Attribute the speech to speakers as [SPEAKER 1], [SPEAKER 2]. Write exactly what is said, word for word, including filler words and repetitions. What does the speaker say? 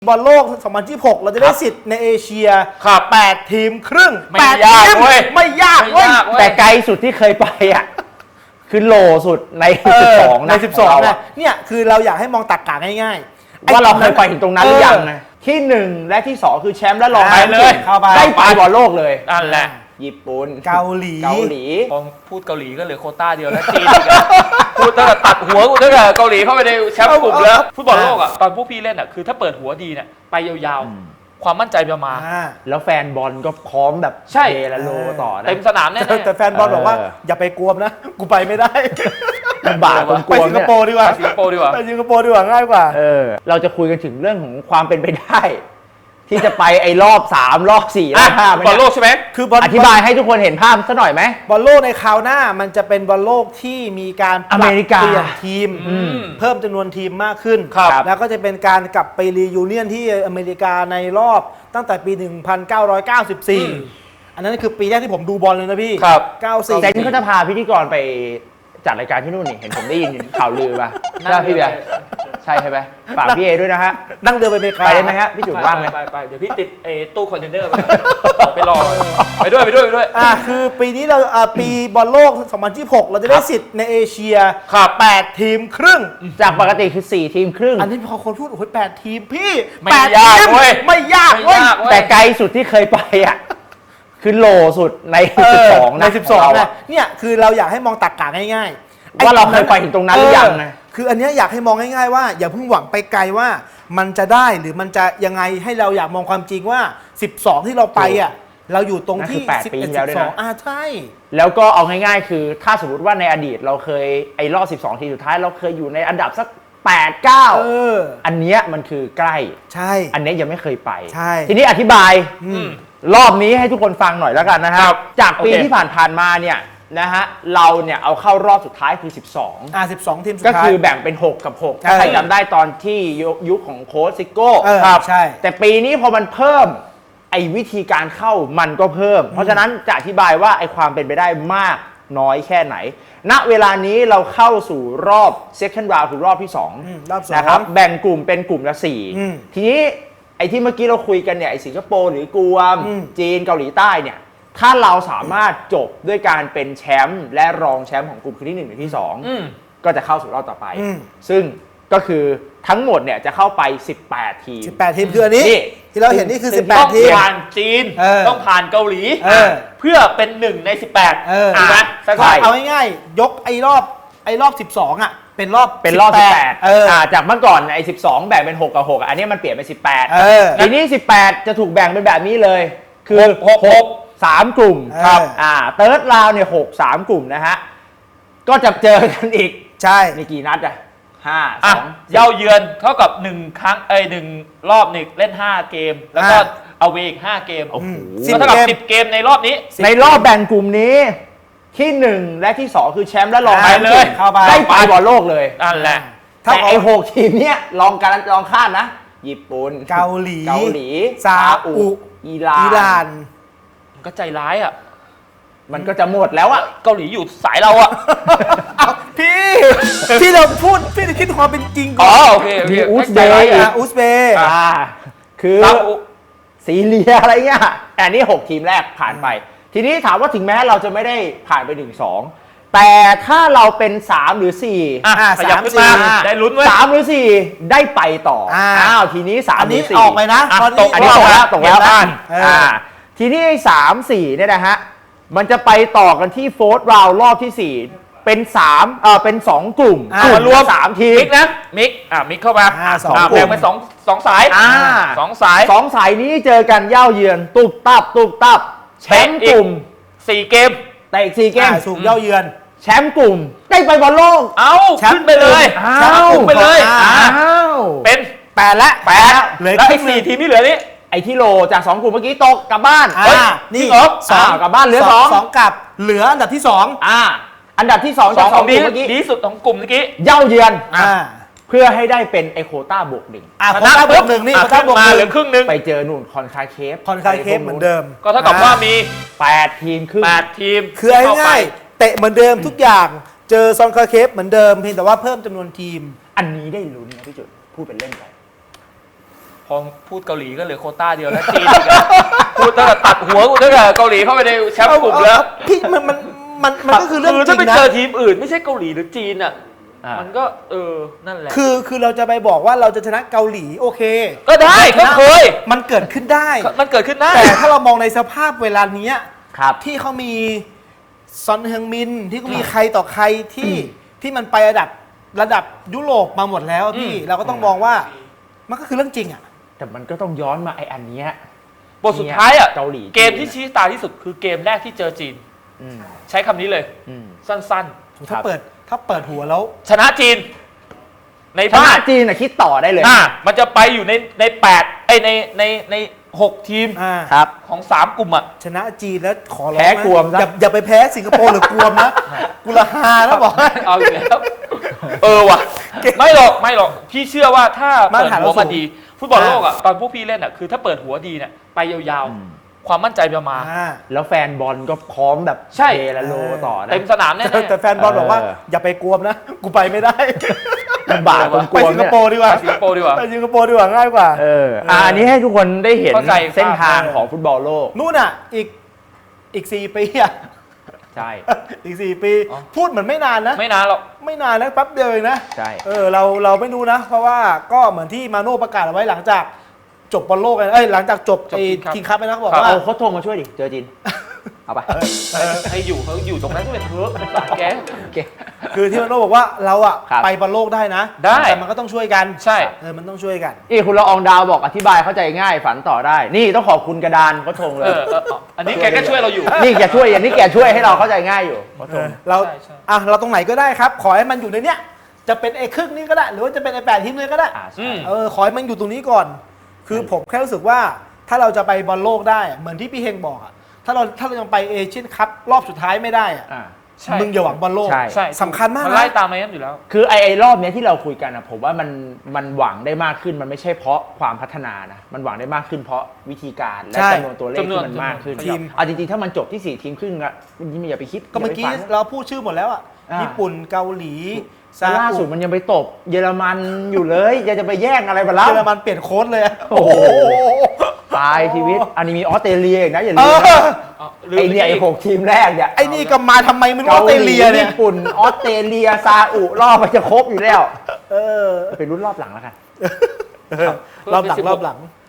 [SPEAKER 1] บอลโลกสองพันยี่สิบหกเราจะได้สิทธิ์ในเอเชียแปดทีมครึ่ง
[SPEAKER 2] ไม่ยากเว้ย
[SPEAKER 1] ไม่ยากเว้ย
[SPEAKER 3] แต่ไกลสุดที่เคยไปอ่ะคือโหลสุดในสิบสอง
[SPEAKER 1] ในสิบสองนะเนี่ยคือเราอยากให้มองตรรกะง่ายๆ
[SPEAKER 3] ว่าเราเคยไปถึงตรงนั้นหรือยังนะที่หนึ่งและที่สองคือแชมป์และรอง
[SPEAKER 2] ไปเลย
[SPEAKER 3] ได้ไปบอลโลกเลย
[SPEAKER 2] นั่นแหละ
[SPEAKER 3] ญี่ปุ่น
[SPEAKER 1] เกาหลี
[SPEAKER 3] เกาหลี
[SPEAKER 2] พอพูดเกาหลีก็เหลือโควต้าเดียวแล้วจีนอีกพูดตั้งแต่ตัดหัวกูตั้งแต่เกาหลีเข้าไปในแชมป์กลุ่มแล้วฟุตบอลโลกอ่ะตอนพวกพี่เล่นอ่ะคือถ้าเปิดหัวดีเนี่ยไปยาวๆความมั่นใจจะมา
[SPEAKER 3] แล้วแฟนบอลก็พร้อมแบบ
[SPEAKER 2] ใช่
[SPEAKER 3] เทละโลต่อนะ
[SPEAKER 2] เต็มสนามแน่
[SPEAKER 1] แต่แฟนบอลบอกว่าอย่าไปกลัวนะกูไปไม่ได้
[SPEAKER 3] ลำบากตรงกลัว
[SPEAKER 1] ไปสิงคโปร์ดีกว่า
[SPEAKER 2] ไปสิงคโปร์ดีกว่า
[SPEAKER 1] ไปสิงคโปร์ดีกว่าง่ายกว่า
[SPEAKER 3] เออเราจะคุยกันถึงเรื่องของความเป็นไปได้ที่จะไปไอ้รอบสามรอบสี่รอบห้า
[SPEAKER 2] บอลโลกใช่ไหม
[SPEAKER 1] คือ
[SPEAKER 3] อธิบายให้ทุกคนเห็นภาพสักหน่อยไหม
[SPEAKER 1] บอลโลกในคราวหน้ามันจะเป็นบอลโลกที่มีการ
[SPEAKER 3] อเมริกา
[SPEAKER 1] เปลี่ยนทีมเพิ่มจำนวนทีมมากขึ้นแล้วก็จะเป็นการกลับไปรียูเนียนที่อเมริกาในรอบตั้งแต่ปี หนึ่งพันเก้าร้อยเก้าสิบสี่ อันนั้นคือปีแรกที่ผมดูบอลเลยนะพี่เก้าสิบสี่
[SPEAKER 3] แต่นี่เขาจะพาพิธีกรไปจัดรายการที่นู่นนี่เห็นผมได้ยินข่าวลือป่ะใช่พี่เบียร์ใช่ใช่ไหมฝากพี่เอด้วยนะฮะ
[SPEAKER 1] นั่งเรือไปอเมริกา
[SPEAKER 3] ไปได้ไหมฮะพี่จุ๋มว่างไหม
[SPEAKER 2] ไปไปเดี๋ยวพี่ติดไอ้ตู้คอนเทนเนอร์ไปรอไปด้วยไปด้วยไปด้วย
[SPEAKER 1] อ่าคือปีนี้เราอ่าปีบอลโลกสองพันยี่สิบหกเราจะได้สิทธิ์ในเอเชียแปดทีมครึ่ง
[SPEAKER 3] จากปกติคือสี่ทีมครึ่ง
[SPEAKER 1] อันนี้พอคนพูดโอ้ยแปดทีมพี่
[SPEAKER 2] ไม่ยากเว้ย
[SPEAKER 1] ไม่ยากเว้ย
[SPEAKER 3] แต่ไกลสุดที่เคยไปอ่ะคือโหลสุดในสิบสอง
[SPEAKER 1] ในสิบสองนะเนี่ยคือเราอยากให้มองตรรกะง่าย
[SPEAKER 3] ๆว่าเราเคยไปถึงตรงนั้นหรือยังนะ
[SPEAKER 1] คืออันนี้อยากให้มองง่ายๆว่าอย่าเพิ่งหวังไปไกลว่ามันจะได้หรือมันจะยังไงให้เราอยากมองความจริงว่าสิบสองที่เราไปอ่ะเราอยู่ตรงที่
[SPEAKER 3] แปดปีแล้วด้วยนะ
[SPEAKER 1] อ่าใช่
[SPEAKER 3] แล้วก็เอาง่ายๆคือถ้าสมมติว่าในอดีตเราเคยไอ้รอบสิบสองทีสุดท้ายเราเคยอยู่ในอันดับสักแปด เก้าเอออันเนี้ยมันคือใกล้
[SPEAKER 1] ใช่
[SPEAKER 3] อันนี้ยังไม่เคยไป
[SPEAKER 1] ใช่
[SPEAKER 3] ทีนี้อธิบายรอบนี้ให้ทุกคนฟังหน่อยแล้วกันนะครับจากปีที่ผ่านๆมาเนี่ยนะฮะเราเนี่ยเอาเข้ารอบสุดท้ายคือสิบสอง
[SPEAKER 1] อ่าสิบสองทีมสุด
[SPEAKER 3] ท้ายก็
[SPEAKER 1] คื
[SPEAKER 3] อแบ่งเป็นหกกับหกถ้าใครจำได้ตอนที่ยุคของโค้ชซิโก้
[SPEAKER 1] ครับใช่
[SPEAKER 3] แต่ปีนี้พอมันเพิ่มไอ้วิธีการเข้ามันก็เพิ่มเพราะฉะนั้นจะอธิบายว่าไอ้ความเป็นไปได้มากน้อยแค่ไหนณเวลานี้เราเข้าสู่รอบ second round คือรอบที่สองนะครับแบ่งกลุ่มเป็นกลุ่มละสี่ทีนี้ไอ้ที่เมื่อกี้เราคุยกันเนี่ยไอ้สิงคโปร์หรือกวมจีนเกาหลีใต้เนี่ยถ้าเราสามารถจบด้วยการเป็นแชมป์และรองแชมป์ของกลุ่มคือที่หนึ่งหรือที่สองก็จะเข้าสู่รอบต่อไปซึ่งก็คือทั้งหมดเนี่ยจะเข้าไปสิบแปดทีม
[SPEAKER 1] สิบแปดทีมคืออันนี้ที่เราเห็นนี่คือสิบแปดทีม
[SPEAKER 2] ต้องผ่านจีนต้องผ่านเกาหลีเพื่อเป็นหนึ่งในสิบแปดถูกไหม
[SPEAKER 1] เอาง่ายๆยกไอ้รอบไอ้รอบสิบสองอ่ะเป็นรอบ
[SPEAKER 3] เป็นรอบสิบแปดจากเมื่อก่อนไอ้สิบสองแบ่งเป็นหกกับหกอันนี้มันเปลี่ยนเป็นสิบแปดทีนี้สิบแปดจะถูกแบ่งเป็นแบบนี้เลยคือหก หกสามกลุ่มครับอ่าเติร์ดราวเนี่ยหกสามกลุ่มนะฮะก็จะเจอกันอีก
[SPEAKER 1] ใช่
[SPEAKER 3] มีกี่นัดอ่ะห้าสอง
[SPEAKER 2] เย้าเยือนเท่ากับหนึ่งครั้งเอ้ยหนึ่งรอบหนึ่งเล่นห้าเกมแล้วก็เอาเวอีกห้าเกมโอ้โหเท่ากับสิบเกมในรอบนี้
[SPEAKER 3] ในรอบแบ่งกลุ่มนี้ที่หนึ่งและที่สองคือแชมป์และรองแชมป์
[SPEAKER 2] เลย
[SPEAKER 3] ได้ไปบอลโลกเลย
[SPEAKER 2] นั่นแหละ
[SPEAKER 3] แต่ไอ้หกทีมเนี้ยลองการลองคาดนะญี่ปุ่น
[SPEAKER 1] เกาหลี
[SPEAKER 3] เกาหลี
[SPEAKER 1] ซาอุ
[SPEAKER 3] อิหร่าน
[SPEAKER 2] ก็ใจร้ายอ่ะ
[SPEAKER 3] มันก็จะหมดแล้วอ่ะ
[SPEAKER 2] เกาหลีอยู่สายเราอ่ะ
[SPEAKER 1] พี่พี่เราพูดพี่จะคิดความเป็นจริงก่
[SPEAKER 2] อนอ๋อโอเค
[SPEAKER 3] มีอุซเบย์
[SPEAKER 1] อุซเบย์
[SPEAKER 3] อ่าคือซีเรียอะไรเงี้ยอันนี้หกทีมแรกผ่านไปทีนี้ถามว่าถึงแม้เราจะไม่ได้ผ่านไปหนึ่งสองแต่ถ้าเราเป็นสามหรือสี่
[SPEAKER 2] อ่าขยับขึ้นมาได้ลุ้นไว้
[SPEAKER 3] สามหรือสี่ได้ไปต่ออ้าวทีนี้สามหรือสี่
[SPEAKER 1] ออกไปนะ
[SPEAKER 3] ตกอันนี้ตกแล้วตกแล้วอ่าทีนี้สามสี่เนี่ยนะฮะมันจะไปต่อกันที่โฟร์ธราวด์รอบที่สี่เป็นสามเอ่อเป็นสองกลุ่ม
[SPEAKER 2] มารวม
[SPEAKER 3] สามทีม
[SPEAKER 2] มิกนะมิกอ่ามิกเข้ามา
[SPEAKER 1] สอง
[SPEAKER 2] แบ่งเป็นสองสองสาย
[SPEAKER 3] อ่า
[SPEAKER 2] สองสาย
[SPEAKER 3] สองสายนี้เจอกันเย่าเยือนตุบตับตุบตับแชมป์กลุ่ม
[SPEAKER 2] สี่เกม
[SPEAKER 3] แต่อีกสี่เกม
[SPEAKER 1] สูงเย่าเยือน
[SPEAKER 3] แชมป์กลุ่มได้ไปบอลโลก
[SPEAKER 2] เอ้าขึ้นไปเลยแชมป์กลุ่มไปเลย
[SPEAKER 3] อ้าว
[SPEAKER 2] เป็น
[SPEAKER 1] แปดละ
[SPEAKER 2] แปดแล้วไอ้สี่ทีมที่เหลือนี้
[SPEAKER 3] ไอ้ที่โลจากสองกลุ่มเมื่อกี้ตกกลับบ้าน
[SPEAKER 1] นี่
[SPEAKER 3] สองกลับบ้านเหลือสอง
[SPEAKER 1] สองกลับเหลืออันดับที่สอง
[SPEAKER 3] อ่าอันดับที่สอง
[SPEAKER 2] จากสองกลุ่มเมื่อกี้ดีสุดของกลุ่มเมื่อกี้
[SPEAKER 3] เย่าเยือนเพื่อให้ได้เป็นไอโคต้าบวกหนึ่ง
[SPEAKER 1] อ่าโคต้าบวกหนึ่งนี่โคต้าบวกหนึ่ง
[SPEAKER 2] เหลือครึ่งนึง
[SPEAKER 3] ไปเจอนู่นคอนคาเคฟ
[SPEAKER 1] คอนคาเคฟเหมือนเดิม
[SPEAKER 2] ก็เท่ากับว่ามี
[SPEAKER 3] แปดทีมครึ่ง
[SPEAKER 2] แปดทีม
[SPEAKER 1] คือง่ายๆเตะเหมือนเดิมทุกอย่างเจอซอนคาเคฟเหมือนเดิมเพียงแต่ว่าเพิ่มจำนวนทีม
[SPEAKER 3] อันนี้ได้ลุ้นนะพี่จุดพูดเป็นเล่นไป
[SPEAKER 2] พอพูดเกาหลีก็เหลือโควต้าเดียวแล้วจีนอีกอะพูดตั้งแต่ตัดหัวกูตั้งแต่เกาหลีเข้าไปในแชมป์กลุ่มแล้ว
[SPEAKER 1] พี่มันมันมันมันก็คือเรื่อง
[SPEAKER 2] คือ
[SPEAKER 1] จ
[SPEAKER 2] ถ้า
[SPEAKER 1] ริ
[SPEAKER 2] ไป
[SPEAKER 1] งนะ
[SPEAKER 2] เจอทีมอื่นไม่ใช่เกาหลีหรือจีนอ่ะ
[SPEAKER 3] อ่ามั
[SPEAKER 2] มันก็เออนั่นแหละ
[SPEAKER 1] คือคือเราจะไปบอกว่าเราจะชนะเกาหลีโอเค
[SPEAKER 2] ก็ได้ก็เคย
[SPEAKER 1] มันเกิดขึ้นได้
[SPEAKER 2] มันเกิดขึ้นได้
[SPEAKER 1] แต่ถ้าเรามองในสภาพเวลาเนี้ย
[SPEAKER 3] ครับ
[SPEAKER 1] ที่เขามีซอนเฮงมินที่เขามีใครต่อใครที่ที่มันไประดับระดับยุโรปมาหมดแล้วพี่
[SPEAKER 2] อืม
[SPEAKER 1] เราก็ต้องมองว่ามันก็คือเรื่องจริงอ่ะ
[SPEAKER 3] แต่มันก็ต้องย้อนมาไอ้อันเนี้ย
[SPEAKER 2] บทสุดท้ายอ่ะ
[SPEAKER 3] เกาหลี
[SPEAKER 2] เกมที่ชี้ตาที่สุดคือเกมแรกที่เจอจีน
[SPEAKER 3] อืม
[SPEAKER 2] ใช้คำนี้เลย
[SPEAKER 3] อืม
[SPEAKER 2] สั้น
[SPEAKER 1] ถ้าเปิดถ้าเปิดหัวแล้ว
[SPEAKER 2] ๆ ชนะจีน ใน
[SPEAKER 3] ช
[SPEAKER 2] บ้า
[SPEAKER 3] นะ
[SPEAKER 2] น
[SPEAKER 3] จีนน่ะคิดต่อได้เลย
[SPEAKER 2] อ่ามันจะไปอยู่ในในแปดไอยในในในหกทีม
[SPEAKER 1] อ่า
[SPEAKER 3] ครับ
[SPEAKER 2] ของสามกลุ่มอ่ะ
[SPEAKER 1] ชนะจีนแล้วขอร้อง
[SPEAKER 3] แพ้
[SPEAKER 1] นะ
[SPEAKER 3] กวมซะ
[SPEAKER 1] อย่าอย่าไปแพ้สิงคโปร์หรือกวมนะกุละฮาแล้วบอกให้
[SPEAKER 2] เอาอีกแล้ว เออว่ะ ไม่หรอกไม่หรอกพี่เชื่อว่าถ้า
[SPEAKER 1] มาต
[SPEAKER 2] เปิ
[SPEAKER 1] ร
[SPEAKER 2] ด
[SPEAKER 1] ฐาน
[SPEAKER 2] หัว
[SPEAKER 1] เราสู
[SPEAKER 2] มาง ดี ฟุตบอลโลกอ่ะตอนพวกพี่เล่นอ่ะคือถ้าเปิดหัวดีเนี่ยไปยาว
[SPEAKER 3] อืม
[SPEAKER 2] ๆ ความมั่นใจจะมา
[SPEAKER 1] อ่า
[SPEAKER 3] แล้วแฟนบอลก็พร้อมแบบ
[SPEAKER 2] ใช่
[SPEAKER 3] เทละโลต่อนะ
[SPEAKER 2] เต็มสนามแน่
[SPEAKER 1] แต่แต่แฟนบอลบอกว่า
[SPEAKER 3] เออ
[SPEAKER 1] อย่าไปกวมนะ กูไปไม่ได้
[SPEAKER 3] ลำบากตรงก
[SPEAKER 1] ไป
[SPEAKER 3] ลัว
[SPEAKER 1] สิงค
[SPEAKER 3] เนี่ย
[SPEAKER 1] โปร์ดีกว่า
[SPEAKER 2] ๆสิงคโปร์ดีกว่า
[SPEAKER 1] ไปสิงคโปร์ดีกว่าง่ายกว่า
[SPEAKER 3] เอออ่ะอันนี้ให้ทุกคนได้เห็น
[SPEAKER 2] เข้าใจ
[SPEAKER 3] เส้นทาง
[SPEAKER 1] ครับ
[SPEAKER 3] ของฟุตบอลโลก
[SPEAKER 1] นู่นอ่ะ อีกอีกสี่ปีอ่ะ
[SPEAKER 3] ใช่
[SPEAKER 1] อีกสี่ปี
[SPEAKER 2] อ๋อ
[SPEAKER 1] พูดเหมือนไม่นานนะ
[SPEAKER 2] ไม่นานหรอก
[SPEAKER 1] ไม่นานนะแป๊บเดียวเองนะ
[SPEAKER 3] ใช่
[SPEAKER 1] เออเราเราไม่รู้นะ เพราะว่าก็เหมือนที่มาโน่ประกาศเอาไว้หลังจากจบบอลโลกกันเอ้ยหลังจากจบ
[SPEAKER 2] จบ
[SPEAKER 1] ไอ้
[SPEAKER 2] King Cup
[SPEAKER 1] คิงคัพไปนะเขาบอก
[SPEAKER 2] ครับ
[SPEAKER 1] ว่า
[SPEAKER 3] เอาเขาโทรมาช่วยดิ เจอจีน เอาไป
[SPEAKER 2] ให้อยู่เขาอยู่ตรงนั้นก็เป็นเถอะสารแก
[SPEAKER 3] โอเค
[SPEAKER 1] คือที่มาโน่บอกว่าเราอ่ะ
[SPEAKER 3] ครับ
[SPEAKER 1] ไปบอลโลกได้นะ
[SPEAKER 2] ได้
[SPEAKER 1] แต่มันก็ต้องช่วยกัน
[SPEAKER 2] ใช่
[SPEAKER 1] เออมันต้องช่วยกัน
[SPEAKER 3] นี่คุณละอองดาวบอกอธิบายเข้าใจง่ายฝันต่อได้ นี่ต้องขอบคุณกระดานเขาชงเล
[SPEAKER 2] เอย อเออเอออันนี้แกก็ช่วยเราอยู่
[SPEAKER 3] นี่แกช่วยอย่างนี้แกช่วยให้เราเข้าใจง่ายอยู่เขาชง
[SPEAKER 1] เรา
[SPEAKER 2] ใช่ใช่
[SPEAKER 1] อ่ะเราตรงไหนก็ได้ครับ ขอให้มันอยู่ในเนี้ยจะเป็นไอ้ครึ่งนี้ก็ได้ หรือว่าจะเป็นไอ้แปดทีมเลยก็ได้
[SPEAKER 3] อ่า
[SPEAKER 2] อื
[SPEAKER 3] ใช่
[SPEAKER 2] ม
[SPEAKER 1] เออขอให้มันอยู่ตรงนี้ก่อน คือผมแค่รู้สึกว่าถ้าเราจะไปบอลโลกได้อะเหมือนที่พี่เฮงบอกอะถ้าเราถ้าเรายังไปเอเชียนคัพรอบสุดท้ายไม่ได้อะ
[SPEAKER 3] อ่า
[SPEAKER 2] ใช่
[SPEAKER 1] มึงอย่าหวังบอลโลก
[SPEAKER 3] ใช่
[SPEAKER 2] ใช่
[SPEAKER 1] สำคัญมาก
[SPEAKER 2] มันไล่
[SPEAKER 1] นะ
[SPEAKER 2] ตามมานั้นอยู่แล้ว
[SPEAKER 3] คือไอ้ไอ้รอบเนี้ยที่เราคุยกันนะผมว่ามันมันหวังได้มากขึ้นมันไม่ใช่เพราะความพัฒนานะมันหวังได้มากขึ้นเพราะวิธีการและ
[SPEAKER 1] ใช่
[SPEAKER 3] จำนวนตัวเลขที่มันมากขึ้น
[SPEAKER 1] ทีม
[SPEAKER 3] เอาจริงๆถ้ามันจบที่สี่ทีมครึ่งอะมันอย่าไปคิด
[SPEAKER 1] ก็เมื่อกี้
[SPEAKER 3] ย่าไปฝัน
[SPEAKER 1] เราพูดชื่อหมดแล้วอะ
[SPEAKER 3] อ่าญี่
[SPEAKER 1] ญี่ปุ่นเกาหลีซา
[SPEAKER 3] ล่า
[SPEAKER 1] อุ
[SPEAKER 3] สุดมันยังไปตบเยอรมันอยู่เลยยังจะไปแย่งอะไรมาแล้ว
[SPEAKER 1] เยอรมันเปลี่ยนโค้ดเลยอะ
[SPEAKER 3] โอ้โห ตายชีวิตอันนี้มีออสเตรเลียอีกนะอย่า
[SPEAKER 1] เอ
[SPEAKER 3] ลืม
[SPEAKER 1] อ
[SPEAKER 3] นะ
[SPEAKER 2] อ๋อลืม
[SPEAKER 3] ไอเนี่ย
[SPEAKER 2] ป
[SPEAKER 3] ไอ
[SPEAKER 2] อีก
[SPEAKER 3] หกทีมแรกเนี่ย
[SPEAKER 1] ไอ้นี่ก็มาทำไมไม่รู้ออสเตรเลียเนี่ย
[SPEAKER 3] ญี่ปุ่นออสเตรเลียซาอุรอบมันจะครบอยู่แล้ว
[SPEAKER 1] เออ
[SPEAKER 3] ไปรุ่นรอบหลังแล้วกัน
[SPEAKER 1] รอบหลังรอบหลัง